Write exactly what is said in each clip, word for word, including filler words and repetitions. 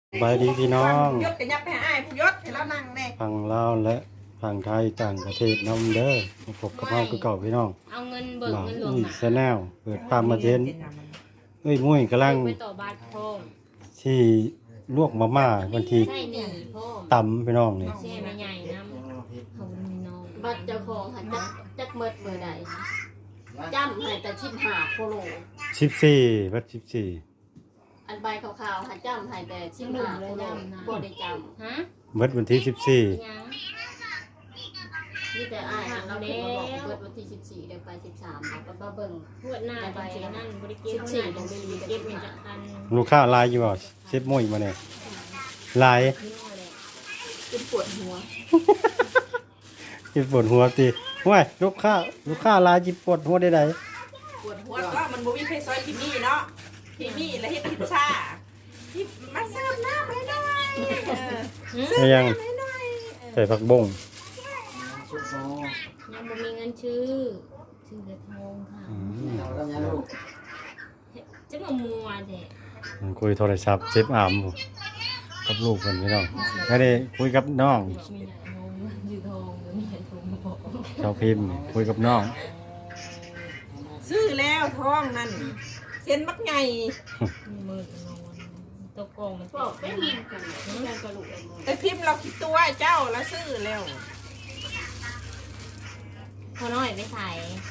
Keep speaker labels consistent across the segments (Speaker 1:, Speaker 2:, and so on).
Speaker 1: บายดีพี่น้อง
Speaker 2: ยศกันยับไปหาไอ้ผู้ยศให้เรานั่งแน่
Speaker 1: ฝั่งลาวและฝั่งไทยต่างประเทศน้ำเด้อมาพบกับเราคือเก่าพี่น้อง
Speaker 3: เอาเงินเบิก
Speaker 1: บ่าว
Speaker 3: เงินหลวง
Speaker 1: อุ้ย
Speaker 3: หนา
Speaker 1: แชนแนลเปิดปามมาเทนเอ้ยมุ้ยกำลัง
Speaker 3: ไปต่อบาทพ่อ
Speaker 1: ที่ลวกมาม่าวันที่
Speaker 3: ใช่หนีพ่อ
Speaker 1: ตำพี่น้องนี่
Speaker 3: แช่ไม่ใหญ่น้ำเขามีน้อง
Speaker 4: บัตรเจ้าของหันจักจักเมิดเมื่อใดจำให้แต่ชิมหาโคโล
Speaker 1: สิบสี่วัดสิบสี่
Speaker 4: อันใบขาวๆหันจำให้แต่ชิมหาโคโลบ่ได้จ
Speaker 3: ฮะ
Speaker 1: เบิดวันที่สิบสี่
Speaker 3: ยัง
Speaker 4: ำนี่แต่อ้ายเราเพิ่นมาบอกเบิดวันที่สิบสี่เดี๋ยวไปสิบสามเอาไปเบิ่ง
Speaker 3: พวดหน้าไปนั่นบริเก็บ
Speaker 4: สิบสี่ตรงนี้
Speaker 3: เก็บมีจักอัน
Speaker 1: ลูกค้าลายอยู่บ่เซฟมุ้ยมาเนี่ยลาย
Speaker 3: นี่แหละ
Speaker 4: เป็นปวดหัว
Speaker 1: จิปวดหัวตีห้วยลูกค้าลูกค้าลายจิปวดหัวได้ได
Speaker 2: ปวดหัวก็มันบ่มีใครซอยพิมี่เนาะพิมี่และเฮ็ดพิซซ่าที่มาเสิร์ฟน้ำให้หน่อยเออ
Speaker 1: ไม่ยัง
Speaker 2: ให้หน่อยเออ
Speaker 1: ใส่ผักบง
Speaker 3: ยังบ่มีเงินชื่อชื่อเด็ดทองค่ะ
Speaker 1: อืม
Speaker 3: จะมามัวเด็ก
Speaker 1: มันคุยโทรศัพท์เซฟอามผมกับลูกคนพี่น้องไม่ได้คุยกับน้อง
Speaker 3: มีใหญ่นมยืดทองมีใหญ่ทองบอก
Speaker 1: ชาวพิมพ์คุยกับน้อง
Speaker 2: ซื้อแล้วท้องนั่นเส้นบักไง
Speaker 3: มีมือนอนตัวกองมัน
Speaker 4: บอกเป็นกันแม่กระดูกไอ้หมด
Speaker 2: แต่พิมพ์เราคิดตัวเจ้าแล้วซื้อแล้ว
Speaker 3: พอน้อยไม่ใส่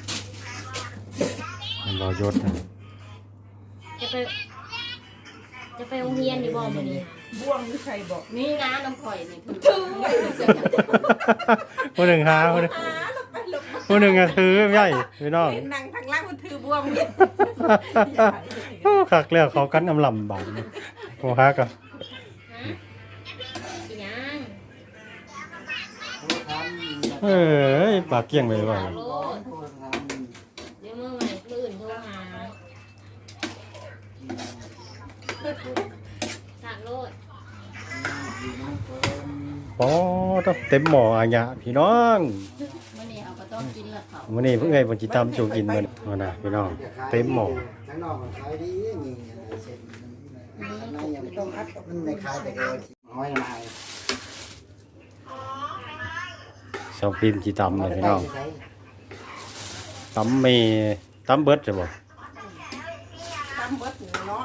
Speaker 1: มันรอยศนะ
Speaker 3: จะไป จะไปโรงเรียนอยู่บ่มื้อนี้
Speaker 2: บ่วงหรือใครบอก
Speaker 4: นี่นะน้ำข่อยนี่เพิ่น
Speaker 2: ถือไว้
Speaker 1: ผู้หนึ่งหาผู้หนึ่ง
Speaker 2: หาลงไปลงมา
Speaker 1: ผู้หนึ่งอะถือไม่ใช่พี่น้อง
Speaker 2: เห็นนั่งทางล่างมันถือบ่วงเนี่ย
Speaker 1: โอ้คักแล้วเขากันอำลำบากโอ้ฮักอะ
Speaker 3: ฮะอีหยัง
Speaker 1: เอ้ยปากเกี้ยงไปว่า
Speaker 3: ฝากโลดเดี๋ยวมื้อใหม่มื้ออื่นโทรหาฝากโลด
Speaker 1: อ๋อต้องเต็มหม้ออาญะพี่น้อง
Speaker 4: มื้อนี้เอาก็ต้องกินละเขา
Speaker 1: วันนี้เพิ่งไงบนจิตามจูกินมันมานะพี่น้องเต็มหม้อ
Speaker 5: ข้างนอกมันขายดีนี่เสร็จมันในยังต้องอัดมันในขายแต่เกินห้อยลาย
Speaker 1: ชาวพิมพ์จิตามเลยพี่น้องตำเมตำเบิดจะบอก
Speaker 2: ตามเบิดหัวเนาะ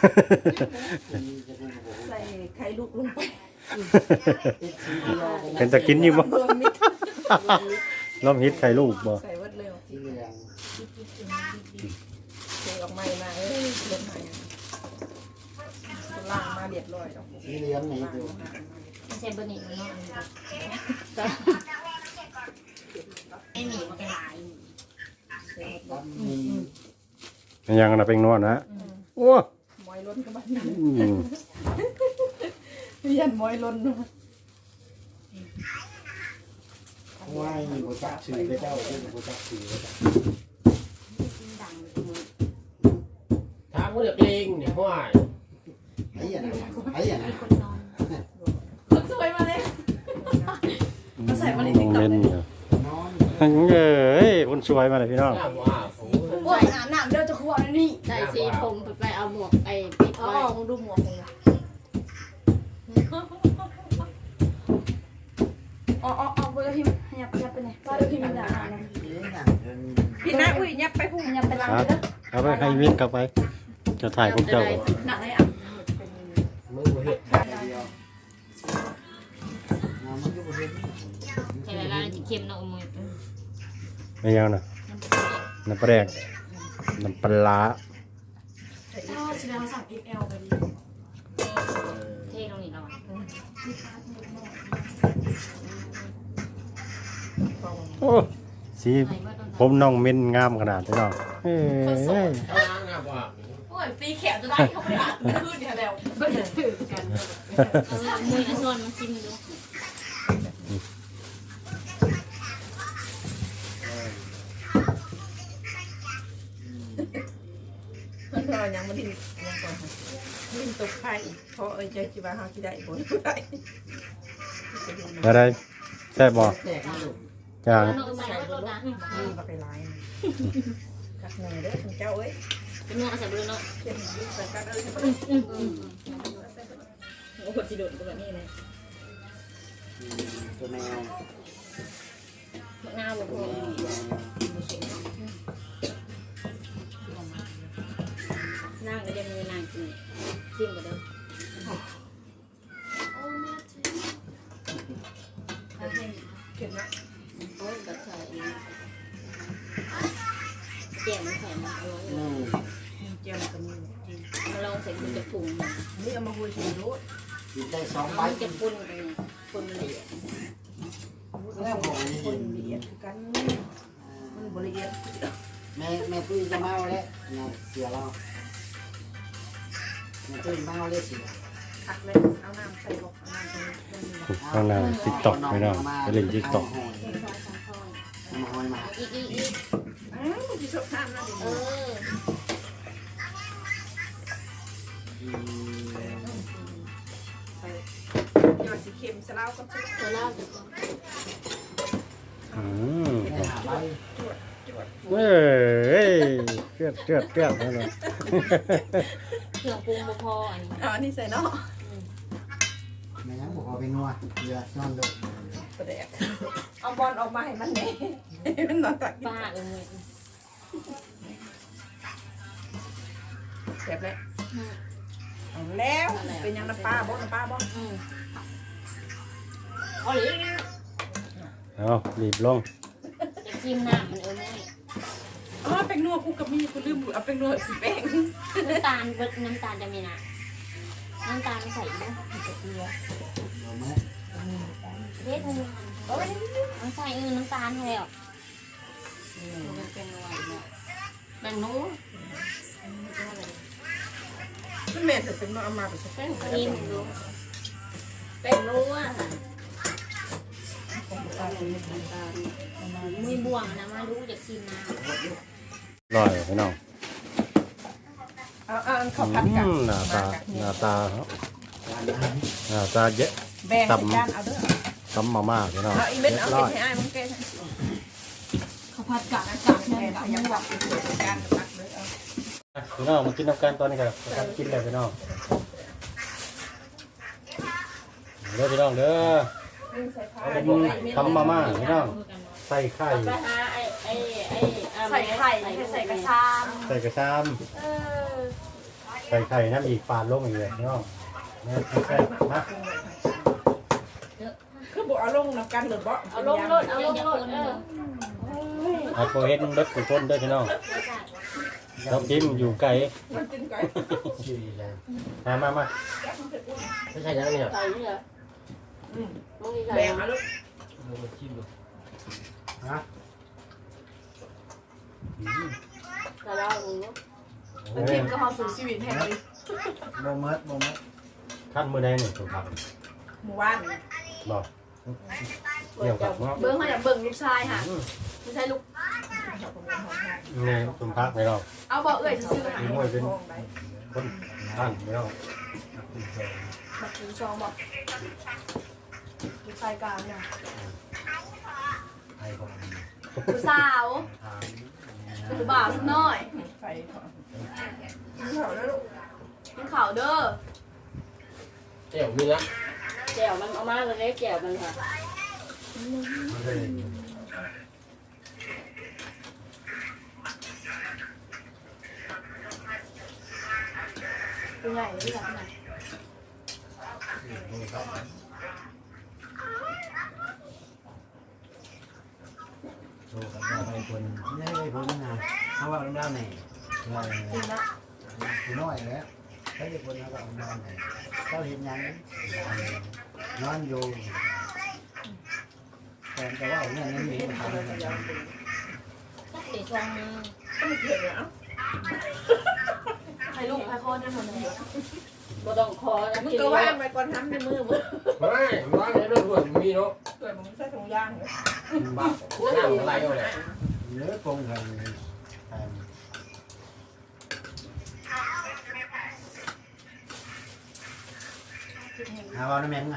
Speaker 2: ใส่ไข่ลูกลงไป
Speaker 1: เป็นตะกินอยู่บ่
Speaker 2: รวมมิตร
Speaker 1: ล้อมฮิตไข่ลูกบ่
Speaker 2: ใส่เบิดเร็ว
Speaker 5: ที่เหลือง
Speaker 2: เทออกใหม่มาเอ้ยลงใหม่ล่างมาเรียบร้อยแล้ว
Speaker 5: ที่เหลืองนี่ดู
Speaker 3: ไม่ใช่เบอร์นี้มันเนาะไอ้หมีมันก็หลาย
Speaker 5: ตั้มมี
Speaker 1: มันยังนะเป็นนวดนะโอ้
Speaker 2: มอยล้นกับบ้านนั้น
Speaker 1: อืม
Speaker 2: เรียนมอยล้น
Speaker 5: ไหว้บูจักชื่อพระเจ้าเป็นบูจักชื่อพระเจ้า
Speaker 4: ดัง
Speaker 6: ถามว่าเด็กเลงเนี่ยห้วย
Speaker 5: ไอ้ยันไอ้ยัน
Speaker 4: คนนอน
Speaker 2: คนสวยมาเลย
Speaker 1: ใส่มาในติ๊กต็อกเลย
Speaker 5: นอน
Speaker 1: เอ้ยคนสวยมาเลยพี่น้อง
Speaker 6: ถามว่าโอ้โห
Speaker 4: โอ้ยน้ำน้ำเดี๋ยวจะขวดนี่ได้สีผมไปเอาหมวกไอ้ปิด
Speaker 2: อ๋อ
Speaker 4: ไว้
Speaker 2: มึงดูหมวกมึงอ๋ออ๋ออ๋อเบอร์พิมพ์ยับยับไปไหนเบอร์พิมพ์ด่า
Speaker 5: เลี้ยงหนังเป็น
Speaker 2: พี่น้าอุ้ยยับไปพุ่งยับไปล้าง
Speaker 1: ครับเอาไปให้วินกลับไป จะถ่ายพวกเจ้าก่อน
Speaker 2: หนักเลยอ่ะ
Speaker 6: มึงบ่เห็ด
Speaker 5: เดียวน้ำมันก็เป็น
Speaker 3: ใส่เวลาจะเค็มเนาะมือ
Speaker 1: ไม่ยังนะน้ำปลาแดกน้ำปลา
Speaker 4: แสดงว่าสั่ง เอ็กซ์ แอล ไปดิ
Speaker 3: เท่ตรงนี้เรา
Speaker 1: โอ้สีผมน้องเม่นงามขนาดนี้น้องเอ้ย
Speaker 6: เอาล้างน้ำว่า
Speaker 2: โอ้ยตีแขนจะได้เข้าไปอ่ะขึ้นเนี่ยแล้ว
Speaker 4: ก็จะถือกัน
Speaker 3: เอามือเอาส่วนมาชิมดู
Speaker 2: มันรอยังมันดิ้นยังก่อนดิ้นตกไข่เพราะเอ้ยเจ้าคิดว่าเขาคิดได้บ่ได้
Speaker 1: อะไรแซ่บบ่
Speaker 5: แตกนี่ลูก
Speaker 1: อย่าง
Speaker 3: เอาใส่รถนะ
Speaker 2: นี่มาไปไล่กักหนึ่งเด้อเจ้าเอ้ย
Speaker 3: เป็นนัวใส่เบอร์เนาะ
Speaker 2: เป็นใส่กักเอ้ย
Speaker 3: อืมอืมอืม
Speaker 2: โอ้โหจิโดดตัวนี้เลย
Speaker 5: ตัวแมว
Speaker 3: มะนาวบ่พอนั่งก็จะมือนางกินชิมก็ได้
Speaker 2: เห็นไหม
Speaker 4: โอ้ยกับใส่
Speaker 3: แจ่วมันแข็งมันอร่อย
Speaker 5: อืม
Speaker 2: เจียวกันนี่
Speaker 3: มาลองใส่กุนจะปรุง
Speaker 2: นี่เอามาคุยชิมรู้
Speaker 5: กินได้สองใบ
Speaker 3: มันจะปุ่นกันปุ่นละเอียด
Speaker 5: แล้วผม
Speaker 2: คนละเอียดคือกันมันบริเอียด
Speaker 5: แม่แม่ตุ้ยจะเมาแล้วเนี่ยเสียเราแม่ตุ้ยเมาเลยเสีย
Speaker 2: ผักเลยเอาน้ำใส่บอกเอาน้ำใส่ต้นนี้
Speaker 1: ข้างหน้าติ๊กต็อกพี่น้องไปเล่นติ๊กต็อก
Speaker 3: ซอยสองซอย
Speaker 5: มาหอยมา
Speaker 3: อีกอีกอีก
Speaker 2: อ้าวมันจะชอบน้ำนะเดี๋ยว
Speaker 3: เอ
Speaker 2: นี้
Speaker 3: อ
Speaker 5: อืม
Speaker 2: ใส่ยอดสีเค็มสลาวกับชุบ
Speaker 3: ตัวเล่าจะ
Speaker 1: อืม
Speaker 5: แม่หาใบ
Speaker 2: จวดจวด
Speaker 1: เอ้ยเลือดเลือดเลือดนั่นเลย
Speaker 3: เครื่องปรุงบ่พออันนี้
Speaker 2: เอาอันนี้ใส่เนาะ
Speaker 5: แม่ยังบอกเอาไปนัวเดือดนอนดุ
Speaker 2: ประเดี๋ยวเอาบอลออกมาให้มันเน่มันนอนตัก
Speaker 3: ป้าเอ้ย
Speaker 2: เจ็บเลยเอาแล้วเป็นยังน้ำปลาบ่น้ำปลาบ่
Speaker 3: อืมเอาหรือ
Speaker 1: เอารีบลง
Speaker 3: จะชิมน้ำมันเออไม่
Speaker 2: อ๋อเป็นนัวกูกับมีกูลืมเอาเป็นนัวสีแป้ง
Speaker 3: น้ำตาลเบิดน้ำตาลจะมีนะน้ำตาลใส่ด้วยกับเกลือ
Speaker 5: เอาไหม
Speaker 3: เด็ดมันโอ้ยมันใส่เออน้ำตาลให้แล้ว
Speaker 4: มันเป็นอะไรเนี่ยแบ่งนู้
Speaker 2: มันแม่จะเป็นนัวเอามาเป็นแป้ง
Speaker 3: ชิมดู
Speaker 4: แบ่งนู้อ่ะ
Speaker 3: มือบ่วงนะมาดูจากชิมน้
Speaker 1: ร่อยพี่น้อง
Speaker 2: เอาเอาข้าว
Speaker 1: อื
Speaker 2: ผัดกัน
Speaker 1: มหน้าตาหน้าตาหน้าตาเยอะ
Speaker 2: แบ่งกันเอาเด้อ
Speaker 1: ตำมาม่าพี่น้อง
Speaker 2: เอาอีเม็ด
Speaker 1: เรีย
Speaker 2: เอา
Speaker 1: บร้อย
Speaker 2: ให้อ้ายมึงแกะ
Speaker 4: ข้าวผัดกะกะ
Speaker 2: แม่ขยันวักเป็นตัวการตักเลยเอา
Speaker 1: พี่น้องมากินน้ำกันตอนนี้ครับกันกินเลยพี่น้องเด้อพี่น้องเด้อ
Speaker 2: ใส่ผ้า
Speaker 1: เป็นตำมาม่าพี่น้องใส่ไข่
Speaker 4: ไปหาไอ้ไอ้ไอ้
Speaker 3: ใส่ไข่ใส่กระชาม
Speaker 1: ใส่กระชาม
Speaker 3: เออ
Speaker 1: ใส่ไข่น้ำอีกปาดลงอีกเลยพี่น้องแม่ใส่มา
Speaker 2: คือบอกเอาลงน้ำกันหรือบ่
Speaker 3: เอาลงรถเอาลงรถเออ
Speaker 1: เอาโปรเฮ็ดเบิดกุต้นเด้อพี่น้องเราพิมอยู่ไกล
Speaker 2: มันกินก่อน
Speaker 5: ชื่ออะไร
Speaker 1: มามามา
Speaker 6: ไม่ใช่ยังไงเนี่ย
Speaker 4: ใส่เนี่ยมึงนี่ใส่
Speaker 2: แบ่งเอาลูก
Speaker 6: เราไปชิมดู
Speaker 5: ฮะ
Speaker 4: ใส่แล้วมึง
Speaker 2: มันกินก็พอสู่ชีวิตแห่งนี้
Speaker 5: โมเมดโมเมด
Speaker 1: ขั้นมือใดหนึ่งถูกครับ
Speaker 2: หมู่บ้าน
Speaker 1: บอกเกี่ยวกับเนาะ
Speaker 4: เบิ้งเขาอยากเบิ้งลูกชายค่ะไม่ใช่ลูก
Speaker 1: นี่คุณพักไม่รอก
Speaker 4: เอาบอกเอ้ยซื้อหา
Speaker 1: มีมวยเป็นคนท่านไม่รอก
Speaker 4: บักถึงซองบอกลูกชายกลางเนี่ย
Speaker 5: ไอ้ผม
Speaker 4: ลูกสาวลูกบ่าวสักหน่อย
Speaker 2: ไฟก่อนกินข้าวแล้วลูก
Speaker 4: กินข่าวเด้อ
Speaker 6: เดี๋ยวมีนะ
Speaker 4: แจ่วมันเอามาเลยแจ่วมันค่ะ เป็นไงนี่แหละนะ
Speaker 5: โชว์กับเราไปคนนี่ไปคนนะเขาว่าเราไหนเรา
Speaker 4: จริงนะ
Speaker 5: คือน้อยแล้วเขาจะคนเขาว่าเราไหนเขาเห็นยังนอนอยู่แต่แต่ว่าเนี่ยนี่มีทาง
Speaker 3: จักเดี๋ยวชงมือ
Speaker 2: ต้องเผ็ดเหรอ
Speaker 4: ให้ลูกให้พ่อได้หมดเลยบ่ต้องคอนะ
Speaker 2: มึงก็ว่างไปก่อนทำในมือมึง
Speaker 6: ไม่ร้านนี้ด้วยด้วยมีเนาะ
Speaker 2: เกิดมึงใส่ถุงยางเหรอ
Speaker 6: บ้าน้ำอะไรอยู่เนี่ย
Speaker 5: เนื้อปรุงกันหาว่าน้ำแมงอ่ะ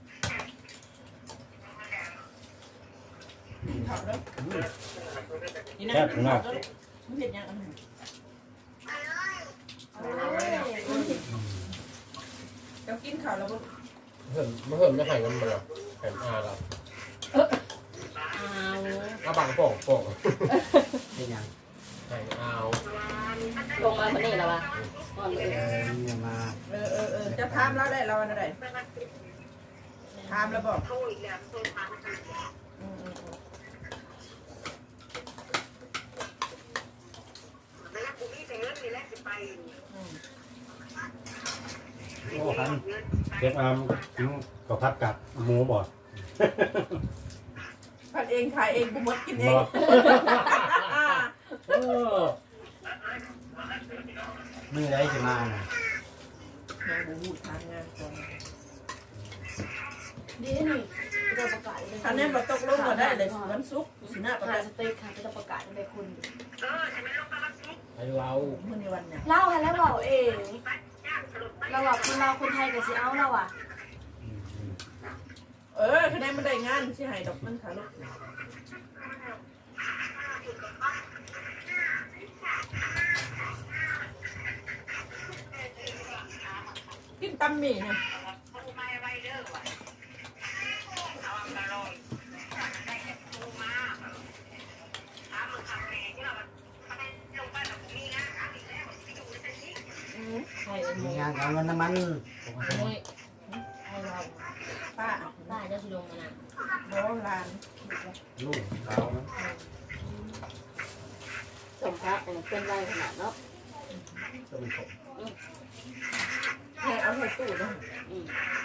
Speaker 2: กินข้าวแล้วนี่นะ
Speaker 1: แค่พี่น้อง
Speaker 2: มึงเผ็ดยังอันไหนเดี๋ยวกินข้าวแล้ว
Speaker 6: เพิ่มมาเพิ่มจะให้กันมาหรอแผ่นอาเรา
Speaker 3: เอา
Speaker 6: เอาบังโป่งโป่ง
Speaker 5: เป็นยัง
Speaker 6: ให้เอา
Speaker 4: ลงมาคนนี้แล้ววะก่อนเล
Speaker 5: เอย อเนี่ยมา
Speaker 2: เออเออเออจะถามเราได้เราอะไรถามแล้วบอกอืมอืมอืม
Speaker 1: โอ้คันเจ็บอามกินข้าวผัดกับหมูบ่
Speaker 2: ผัดเองขายเองบุมดกินเอง
Speaker 1: บ่เออ
Speaker 5: มือไรจะมาน่ะ
Speaker 2: นางบูฮูทางงานก่อน
Speaker 3: ดีนี่จะประกาศเลย
Speaker 2: ท่านนี้มาตกลงมาได้เลยวันศุกร์สินะประ
Speaker 3: หา
Speaker 2: กัน
Speaker 3: สเต็กค่ะจะประกาศในคุณ
Speaker 6: ให้เรา
Speaker 2: เมื่อในวันเนี่ย
Speaker 3: เล่าให้แล้วเราเองเราแบบคนเราคนไทยกับสิเอาเราอ่ะ
Speaker 2: เออคะแนนมันได้งานสิให้ดอกมันขาลูกกินตำหมี่เนี่ย
Speaker 3: ไทยเป็น
Speaker 5: มี
Speaker 3: โม
Speaker 5: งานเอาเงินน้ำมัน
Speaker 3: ไทยเรา
Speaker 2: ป้า
Speaker 3: ได้เจ้าชิลงกันนะ
Speaker 2: โบราณ
Speaker 5: ลูกเขานะ
Speaker 4: สมพระเป็นไรขนาดเนาะ
Speaker 5: ต้องเป็นผม
Speaker 2: เนี่ยเอาใส่ตู้นะ
Speaker 4: อืม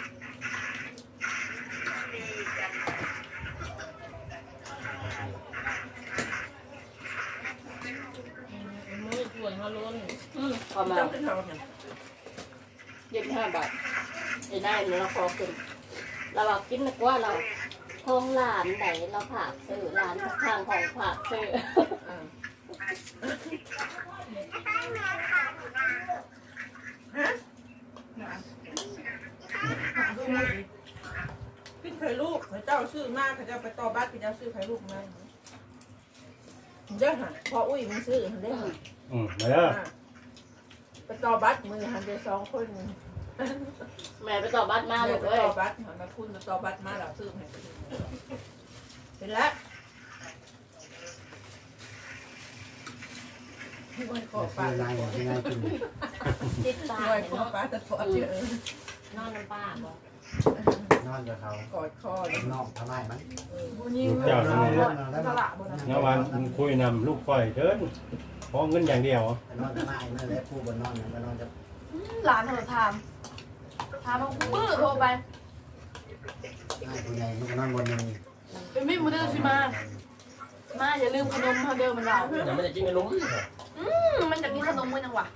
Speaker 3: มือถ่วยเขาล้น
Speaker 4: อืมพอมา
Speaker 2: เจ้าขึ้นเขาเนี่ย
Speaker 4: ยี่สิบห้าบาทไอ้ได้เราขอขึ้นเราบอกกินนึกว่าเราท้องหลานไหนเราผากซื้อหลานทางของผากซื้อ
Speaker 2: อ่าฮะขึ้นไข่ลูกเจ้าซื้อมากเขาจะไปต่อบัตรพี่เจ้าซื้อไข่ลูกมาเด้อฮะพออุ้ยมันซื้อเด้อฮะ
Speaker 1: อืมมาเด้อ
Speaker 2: ไปต่อบัตรมือหันไปสองคน
Speaker 4: แม่ไปต่อบ้านมาลูก
Speaker 2: ไป
Speaker 4: เอ้ย
Speaker 2: ต่อบัตรหันมาคุณมาต่อบัตรมาแล้วซื้อให้เป็นแล้ววันขอ
Speaker 5: แต่
Speaker 2: ปลา
Speaker 5: ซื้อ
Speaker 2: ตะ
Speaker 5: นาย
Speaker 2: ปอด
Speaker 5: ที่นายกิน
Speaker 3: ติดตา
Speaker 2: วันขอ
Speaker 3: เนาะ
Speaker 2: ปลาตะปอดเยอะ
Speaker 3: นอนน้ำป้าบอก
Speaker 5: นอนกับเขา
Speaker 2: กอดคอเลย
Speaker 5: นอกทำไมมัน
Speaker 3: บุญยิ่ง
Speaker 1: ลูกเจ้าทั้งนี้
Speaker 3: ตลาดบนนั้น
Speaker 1: เมื่อวานคุยนำลูกก้อยเดินขอเงินอย่างเดียวน
Speaker 5: อนทำไมนั่นแหละผู้บนนอนมันนอนจะ
Speaker 3: หลานเธอทามทามมาปื้อโทรไป
Speaker 5: ง่ายผู้ใหญ่มันก็นอนบนนึง
Speaker 3: เป็นมิตรมือเดินสิมา มาอย่าลืมขนมเขาเดิมมันเรา
Speaker 6: แต่ไม่ได้กินขนม
Speaker 3: อืมมันจะกินขนมมันยังวะ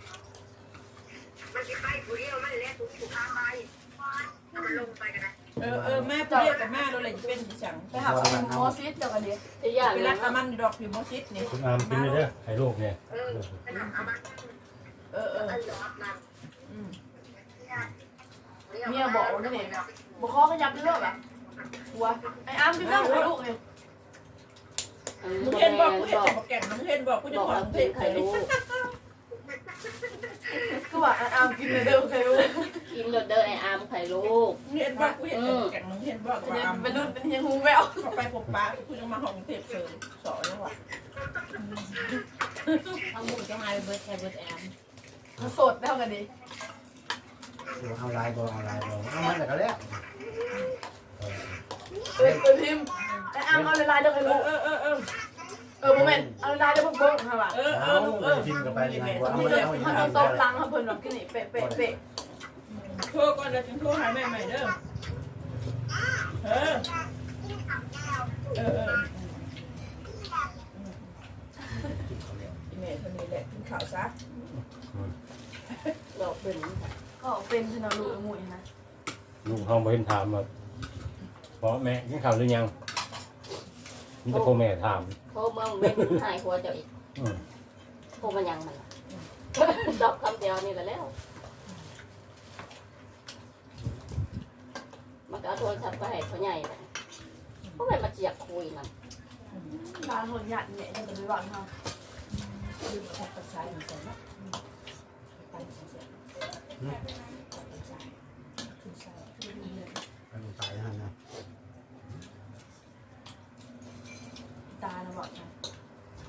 Speaker 2: เออเออแม่ไปเรียกกับแม่เราเลยเป็นสั่ง
Speaker 3: ไปหาโมซิสเดี๋ยวกันดิ
Speaker 4: ที่ยาก
Speaker 2: ไป
Speaker 4: เล
Speaker 2: รั
Speaker 4: ย
Speaker 2: ดตะมันดอกพิมอซิสนี่
Speaker 1: คุณอามกินเลยเด้อให้ลูกเนี่ย
Speaker 2: เออเอออืม
Speaker 3: เมียบอกว่าเนี่ยบอกข้อขยับเรื่องแบบหัวไอ้อ้ามที่นั่งกับลูกเอง
Speaker 2: มึงเห็นบอกกูเห็นบอกแก่งมึงเห็นบอกกูจะ
Speaker 4: บอก
Speaker 2: ขอ
Speaker 4: เรา
Speaker 2: มึง
Speaker 4: เป็
Speaker 2: เท
Speaker 4: น
Speaker 2: ศ
Speaker 4: ไข่
Speaker 2: เลย
Speaker 4: ลูก
Speaker 3: ก็ว่าไอ้อ้ามกินเลยเดิมใครรู้
Speaker 4: กินเด้อไอ้อามไข่ลูก
Speaker 2: มึงเห็นบอกกูเห็นบอกแก่งมึงเห็นบอกว่า
Speaker 3: เป็นรุ่นเป็นยังหูแวว
Speaker 2: เข้าไปพบป้ากูจะมาห้องเทพเสริมสอนแล้วว่ะ
Speaker 3: เอาหมูจะมาเบิร์ดแอร์เบิร์ดแอมสดเท่ากันดิ
Speaker 5: เอาลายบอเอาลายบอเอามันแต่ก็แล้ว
Speaker 3: เออเออพิมไอ้อ้ามเอาลายเดิมใคร
Speaker 2: เอ
Speaker 3: รู้
Speaker 2: อเออเออเออ
Speaker 3: เออโมเมนต์เอาลายเดิมพวกโบ๊ะค่ะว่ะ
Speaker 2: เออเอ
Speaker 5: เอา
Speaker 2: อเออ
Speaker 5: ทิมกับไปนายบอเอา
Speaker 3: มัน
Speaker 5: มา
Speaker 3: จะ
Speaker 5: เอา
Speaker 3: มันจะโต๊ะลังค่ะเพิ่นแบบกินนี่เป๊ะเป๊ะเป๊ะ
Speaker 2: โทรก่อนจะถึงโทรหาแม่ใหม่เด้อเออเออเออแม่คนนี้แหละกินข้าวซะ
Speaker 4: เราเป็น
Speaker 3: ก็เป็นธนาลูกหมูนะ
Speaker 1: ลูกเขาบ่เห็นถามว่าเพราะแม่กินข้าวหรือยังมันจะพ่อแม่ถาม
Speaker 4: โคเมืองเป็นหายหัวเจ้าอีก
Speaker 1: อืม
Speaker 4: โคมันยังมันตอบคำเดียวนี่แหละแล้วมันก็เอาโทรศัพท์ไปให้เขาใหญ่ไปเพราะมันมาเจียกคุยมัน
Speaker 3: ร้านคนหยาดเนี่ยจะเป็นร้านเขา
Speaker 2: ดึงออกกระสายหนึ่งใส่เนาะไปใส่ใส่ไปใส่ขึ้นใส่ขึ้นใส่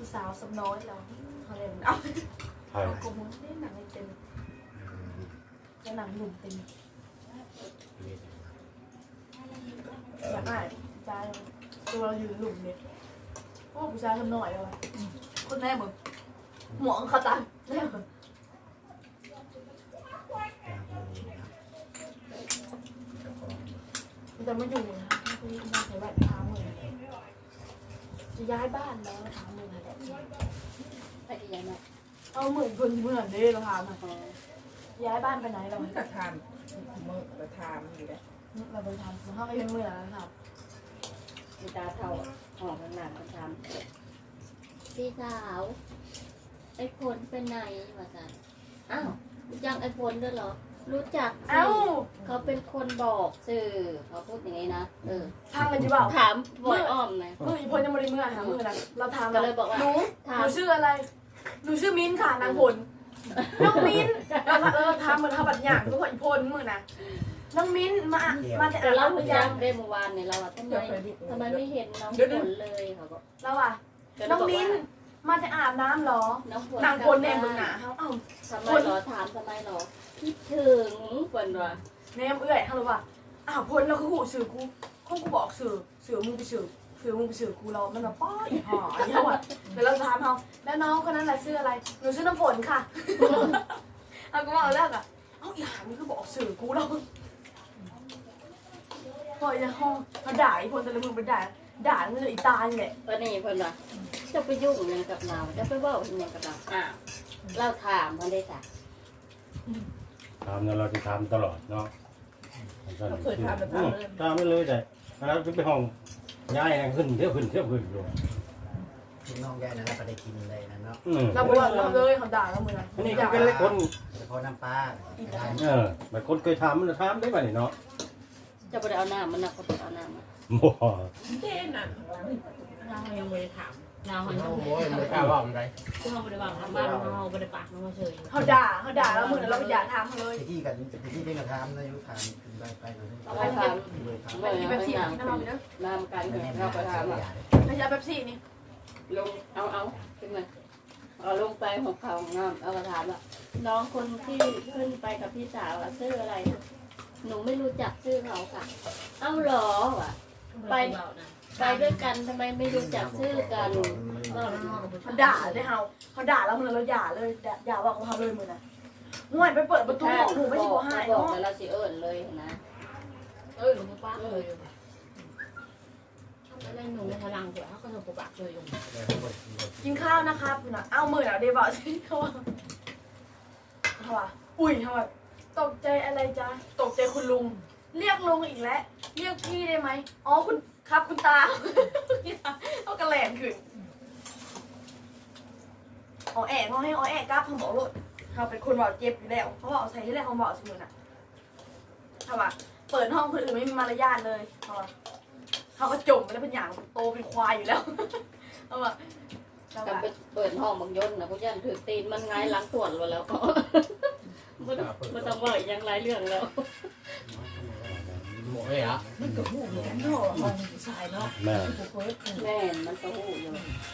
Speaker 3: สาวสำน้อยแล้วเขาเรียกมันเอา
Speaker 1: ใช่
Speaker 3: เอากระมุนนี่หนังไม่เต็มจะหนังหนุ่มเต็มอยากได้ใจตัวเราอยู่หลุมเนี่ยโอ้ผู้ชายทำหน่อยเลยวะคนแม่มึงหมวกเขาตายแม่มึงแต่ไม่อยู่นะที่บ้านใช้แบบท้ามือจะย้ายบ้านแล้วท้ามือแหละ
Speaker 4: ไปอีกอย่างหนึ่ง
Speaker 3: เอาเหมือนคนเหมือนเด้เราถามอ่ะย้ายบ้านไปไหนเรา
Speaker 2: มันก็ทานมือก็ทานอยู่แล้ว
Speaker 3: เราไปทำเราไปยังเมื่อนะครับ
Speaker 4: มีตาเท่าหอมขนาดมันทำพี่สาวไอ้พลเป็นไงวะจ๊ะอ้าวรู้จักไอ้พลด้วยเหรอรู้จักสิ
Speaker 3: เอ้า
Speaker 4: เขาเป็นคนบอกสื่อเขาพูดอย่างนี้นะเออ
Speaker 3: ทางกันจีบ่าว
Speaker 4: ถามบ่อยอ้อมไหม
Speaker 3: มืออีพลยังไม่ได้เมื่อหามือนะเราถาม
Speaker 4: ก็เลยบอกว่า
Speaker 3: หนู
Speaker 4: ถา
Speaker 3: ห
Speaker 4: ม
Speaker 3: นูชื่ออะไรหนูชื่อมิ้นค่ะนางพลน้องมิ้นเราเออทำเหมือนทำบัตรหยางก็พออีพลมือนะน้องมิ้นมามาแต่
Speaker 4: แต่
Speaker 3: อ่าน
Speaker 4: เรา
Speaker 3: เรา
Speaker 4: คุ
Speaker 3: ห
Speaker 4: ย
Speaker 3: รือ
Speaker 4: กั
Speaker 3: ยั
Speaker 4: น
Speaker 3: ง
Speaker 4: ได้เมื่อวานเนี่ยเราอะทำไมทำไมไม่เห็นน้องฝนเลยเขาบอก
Speaker 3: เราอ่ะน้องมิ้นมาจะอาบน้ำเหรอ
Speaker 4: น้องฝน
Speaker 3: นางพลเนี่ยมึงหนาเขาเอ้า
Speaker 4: ทำไมหรอถามทำไมหรอคิดถึงฝนวะ
Speaker 3: เนมเอื้อยเขาเลยว่าอ้าวพลเราคือหูสื่อกูคงกูบอกสื่อสื่อมึงไปสื่อสื่อมึงไปสื่อกูเรามันแบบป้ออีห่ออีห่อเดี๋ยวเราถามเขาแล้วน้องคนนั้นแหละชื่ออะไรหนูชื่อน้ำฝนค่ะเอาก็ว่าเอาแล้วอ่ะเอ้าอีห่านี่คือบอกสื่อกูเราพอจะห้องเขาด่าอีพลแต่ละมึงไปด่าด่ามันเลยอีตาเนี่ยแหละ
Speaker 4: วันนี้ฝนวะจะไปยุ่งยังกับเราจะไปว่ายังกับเราอ้าวเราถามมันได้จ้ะ
Speaker 1: ถามเนี่ยเราจะถามตลอดเนาะ
Speaker 2: เราเคยทำแล้วทำเลย
Speaker 1: ถามไม่เลยแต่แล้วจะไปห้องย้ายขึ้นเที่ยวขึ้นเที่ยวขึ้นอยู่
Speaker 5: พี่น้องยายนั่นเราก็ได้กินเลยนะเนาะ
Speaker 1: อืม
Speaker 3: เราบอกว่าเราเลยเขาด่าเราเหมือนกัน
Speaker 1: อันนี้ก็เป็นเล็กคน
Speaker 5: เฉพาะน้ำปลาได้
Speaker 1: เออแบบคนเคยทำมันจะทำได้ป่ะนี่เนาะ
Speaker 4: จะไปเอาน้ำมันนะเขาไปเอาน้ำมา
Speaker 1: บ่
Speaker 2: เต้นน่ะเรายังไม่ได้ถาม
Speaker 6: เราหันโอ้ยไม่กล้าว่าอะไร
Speaker 2: ที่เขาไม่ได้วางทางบ้านเราไม่ได้ปากเราเฉย
Speaker 3: เขาด่าเขาด่าเราเหมือนเราไปด่าทางเขาเลย
Speaker 5: ไปที่กันไปที่ได้กระทำนะยุทานขึ้นไปไปเลย
Speaker 4: เอาไปท
Speaker 5: เลยท
Speaker 4: ำ
Speaker 3: ไป
Speaker 4: ไม่
Speaker 3: กิน
Speaker 4: เอา
Speaker 3: แบบ
Speaker 4: ให้
Speaker 3: สี่
Speaker 4: น้
Speaker 3: ที่น้ำมันเนอะ
Speaker 4: ำน้ำกัน
Speaker 5: ำ
Speaker 4: เนี่ย
Speaker 5: เรา
Speaker 4: เราไปทำอ่ะ
Speaker 3: ไม่ใช่แบบสี่นี่
Speaker 4: ลงเอาเอาขึ้นมาเอาลงไปของเขาน้ำเอากระถามอ่ะน้องคนที่ขึ้นไปกับพี่สาวอะชื่ออะไรนะหนูไม่รู้จักชื่อเขาค่ะ เอ้าเหรอวะไปไปด้วยกันทำไมไม่รู้จักชื่อกัน
Speaker 3: เขาด่าเลยเขาเขาด่าเราเหมือนเราด่าเลยด่าด่าว่าเขาเลยเหมือนนะห่วยไปเปิดประตูบอกหนูไม่ใช่บอกให้
Speaker 4: บอก
Speaker 3: เนาะ
Speaker 4: แล้วเราสิเอิญเลยนะ
Speaker 2: เออหนูป้าเลยแล้วหนูในพลังเดี๋ยวเขาก็หนูปากเลยอยู่
Speaker 3: กินข้าวนะครับนะเอามืออ่ะเดี๋ยวบอกสิเขาว่าเขาว่าอุ้ยเขาว่าตกใจอะไรจ๊ะตกใจคุณลุง เรียกลุงอีกแล้วเรียกพี่ได้ไหมอ๋อคุณครับคุณตาเขากระแหลมขึ้นอ๋อแอะเขาให้อ๋อแอะกลับเขาบอกรถเขาเป็นคนบอกเจ็บอยู่แล้วเขาบอกใส่ที่แรกเขาบอกเสมอน่ะเขาว่าเปิดห้องคนอื่นไม่มีมารยาทเลยเขาว่าเขาก็จมไปแล้วเป็นอย่างโตเป็นควายอยู่แล้วเขาว่าเขา
Speaker 4: กัน
Speaker 3: ว่า
Speaker 4: ไปเปิดห้องบางยนต์นะพวกยันถือตีนมันไงล้างตรวจแล้วก็ไม่ต้องไม่ต้องว่ายังไรเรื่องแล้ว
Speaker 6: หมดเลยเหรอ
Speaker 2: มันก็หูเหมือนกันเนาะห้องผู้ชายเนาะ
Speaker 1: แม่
Speaker 2: ผู้เฟิร์ส
Speaker 4: แม่มันก็หูอยู่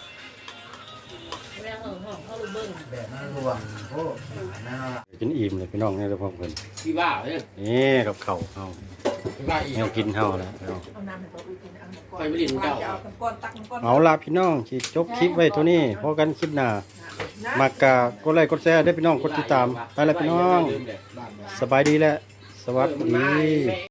Speaker 2: แม่เออห้องเขาลูกเบิ้ง
Speaker 5: แบบนั้นรวมโอ้นั่นละ
Speaker 1: กินอิ่มเลยพี่น้องเนี่ยเราพร้อมกัน
Speaker 6: พี่บ้าเนี่ย
Speaker 1: นี่กับเข่าวเฮา
Speaker 6: พี่บ้าอีก
Speaker 1: แนวกินเฮาแล้วพี่น้อง
Speaker 2: เอาน้ำให้เขาอุ้ยกินเอาน้ำก้อน
Speaker 6: ไปไม่ลิ้นเจ้า
Speaker 2: เอาน้ำก้อนตักน้ำก้อน
Speaker 1: เอาล่ะพี่น้องสิจบคลิปไว้เท่านี้พอกันคลิปหน้า
Speaker 2: นะ
Speaker 1: มากะกดไลค์กดแชร์ด้วยพี่น้องกดติดตามไปแล้วพี่น้อง สบายดีแล้วสวัสดี